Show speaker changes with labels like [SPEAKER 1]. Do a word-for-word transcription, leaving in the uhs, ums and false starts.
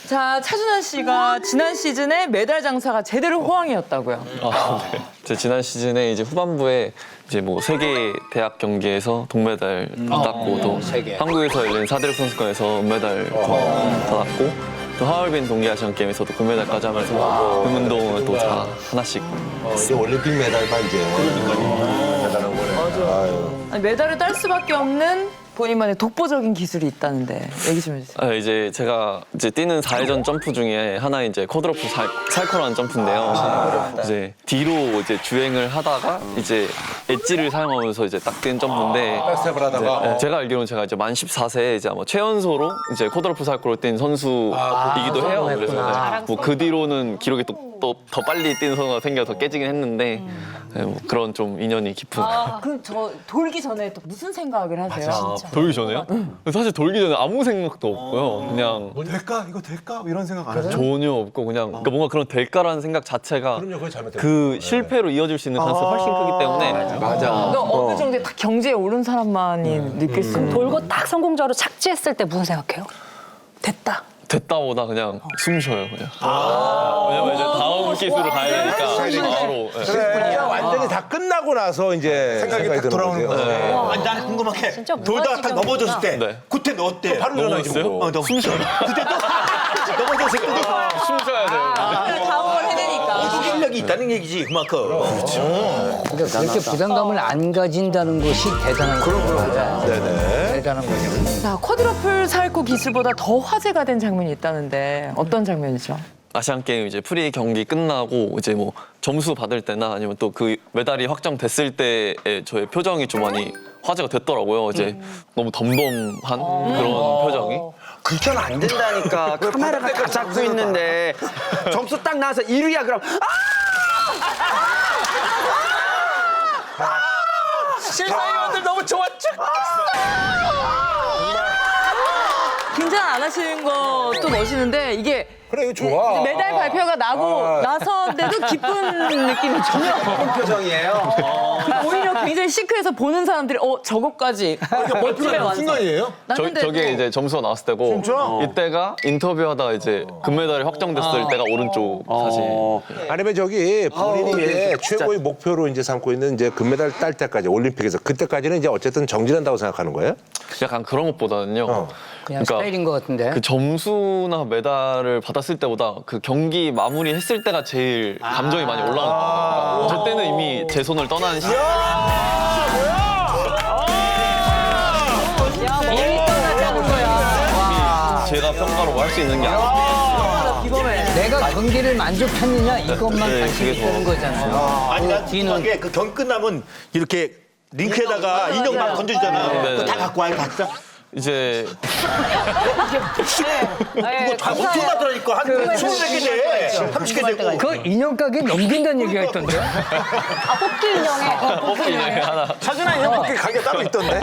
[SPEAKER 1] 자, 차준환 씨가 지난 시즌에 메달 장사가 제대로 호황이었다고요.
[SPEAKER 2] 아, 네. 제 지난 시즌에 이제 후반부에 이제 뭐 세계 대학 경기에서 동메달 땄고 또 한국에서 열린 사대륙 선수권에서 은메달 받았고 또 하얼빈 동계 아시안 게임에서도 금메달까지 하면서 금운동을 또 다 하나씩.
[SPEAKER 3] 어, 이제 올림픽 메달만 이제. 대단한 거네. 맞아.
[SPEAKER 1] 아니, 메달을 딸 수밖에 없는 본인만의 독보적인 기술이 있다는데 얘기 좀 해주세요.
[SPEAKER 2] 아, 이제 제가 이제 뛰는 사 회전 점프 중에 하나 이제 쿼드로프 살, 살코라는 점프인데요. 이제 뒤로 이제 주행을 하다가 이제 엣지를 사용하면서 이제 딱 뛴 점프인데
[SPEAKER 3] 백스텝을 하다가
[SPEAKER 2] 이제, 네, 제가 알기로는 제가 이제 만 열네 세에 이제 아마 최연소로 이제 쿼드로프 살코를 뛴 선수이기도 해요. 그래서 네, 뭐 그 뒤로는 기록이 또 또 더 빨리 뛰는 선수가 생겨서 깨지긴 했는데 네, 뭐 그런 좀 인연이 깊은.
[SPEAKER 1] 아, 그럼 저 돌기 전에 또 무슨 생각을 하세요?
[SPEAKER 2] 아, 돌기 전에요? 사실 돌기 전에 아무 생각도 없고요. 그냥
[SPEAKER 3] 뭐 될까? 이거 될까? 이런 생각 안 해요?
[SPEAKER 2] 전혀 없고 그냥 그러니까 뭔가 그런 될까라는 생각 자체가
[SPEAKER 3] 그럼요, 그게 잘못된
[SPEAKER 2] 그 실패로 이어질 수 있는 가능성이 훨씬 크기 때문에
[SPEAKER 3] 맞아.
[SPEAKER 1] 그러니까 어느 정도의 딱 경제에 오른 사람만이 느낄 수 있는.
[SPEAKER 4] 돌고 딱 성공적으로 착지했을 때 무슨 생각해요? 됐다.
[SPEAKER 2] 됐다보다 그냥 숨 쉬어요 그냥. 왜냐면 이제 다음 기술로 가야 되니까 바로. 네.
[SPEAKER 3] 그래, 완전히 다 끝나고 나서 이제 생각이, 딱 돌아오는 거죠.
[SPEAKER 2] 네.
[SPEAKER 5] 아니, 나는 궁금한 게
[SPEAKER 4] 진짜
[SPEAKER 5] 돌다가 딱
[SPEAKER 4] 무너지게
[SPEAKER 5] 넘어졌을 때
[SPEAKER 2] 네.
[SPEAKER 5] 그때 너 어때?
[SPEAKER 3] 바로 일어나지
[SPEAKER 2] 넘어졌어요?
[SPEAKER 3] 뭐.
[SPEAKER 5] 어, 너
[SPEAKER 2] 숨 쉬어요.
[SPEAKER 5] 그때 또 넘어졌을 때
[SPEAKER 2] 숨 쉬어야 돼요.
[SPEAKER 1] 다음 걸 해내니까.
[SPEAKER 5] 기술력이 있다는 얘기지 그만큼.
[SPEAKER 6] 그러니까 그렇게 부담감을 안 가진다는 것이 대단한 거죠.
[SPEAKER 3] 네네.
[SPEAKER 6] 대단한 거죠.
[SPEAKER 1] 자, 쿼드러플 살코 기술보다 더 화제가 된 장면이 있다는데 어떤 장면이죠?
[SPEAKER 2] 아시안 게임 이제 프리 경기 끝나고 이제 뭐 점수 받을 때나 아니면 또 그 메달이 확정됐을 때의 저의 표정이 좀 많이 화제가 됐더라고요. 이제 너무 덤덤한 그런 표정이.
[SPEAKER 7] 그건 안 된다니까. 카메라가 다 잡고 있는데 점수 딱 나와서 일 위야 그럼
[SPEAKER 5] 실사위원들 너무 좋았죠?
[SPEAKER 1] 긴장 안 하시는 것도 멋있는데 이게
[SPEAKER 3] 그래, 이거 좋아.
[SPEAKER 1] 메달 발표가 나고
[SPEAKER 3] 아.
[SPEAKER 1] 나서인데도 기쁜 느낌이 전혀 없고
[SPEAKER 7] 표정이에요.
[SPEAKER 1] 오히려 굉장히 시크해서 보는 사람들이 어 저거까지 멋지게 완성.
[SPEAKER 3] 순간이에요?
[SPEAKER 2] 저,
[SPEAKER 1] 근데
[SPEAKER 2] 저게
[SPEAKER 1] 또
[SPEAKER 2] 이제 점수가 나왔을 때고 이때가 인터뷰하다가 이제 금메달이 확정됐을 때가 오른쪽 사진.
[SPEAKER 3] 아니면 저기 본인이 이제 최고의 목표로 이제 삼고 있는 이제 금메달 딸 때까지 올림픽에서 그때까지는 이제 어쨌든 정진한다고 생각하는 거예요?
[SPEAKER 2] 약간 그런 것보다는요.
[SPEAKER 3] 어.
[SPEAKER 6] 그냥 스타일인 것 같은데.
[SPEAKER 2] 그 점수나 메달을 받았을 때보다 그 경기 마무리했을 때가 제일 감정이 많이 올라가는 거예요. 저 때는 이미 제 손을 떠나는 시간. 제가 평가로 할 수 있는 게 아니고.
[SPEAKER 1] 이거면
[SPEAKER 6] 내가 경기를 만족했느냐 이것만
[SPEAKER 2] 네,
[SPEAKER 6] 관심이
[SPEAKER 2] 그게 더-
[SPEAKER 6] 있는 거잖아요.
[SPEAKER 5] 아니 난
[SPEAKER 6] 뒤는-
[SPEAKER 5] 궁금한 게 그 경기 끝나면 이렇게 링크에다가 인형 막 건져주잖아.
[SPEAKER 2] 네,
[SPEAKER 5] 그거
[SPEAKER 2] 네.
[SPEAKER 5] 다 갖고 와요 각자.
[SPEAKER 2] 이제
[SPEAKER 5] 그거 다 엄청 나더라니까 한 스무 개 돼, 삼십 개 되고.
[SPEAKER 6] 그 인형 가게 넘긴다는 얘기가 있던데.
[SPEAKER 4] 아, 뽑기 인형에.
[SPEAKER 2] 뽑기 인형이 하나.
[SPEAKER 3] 사준아 인형 뽑기 가게 따로 있던데?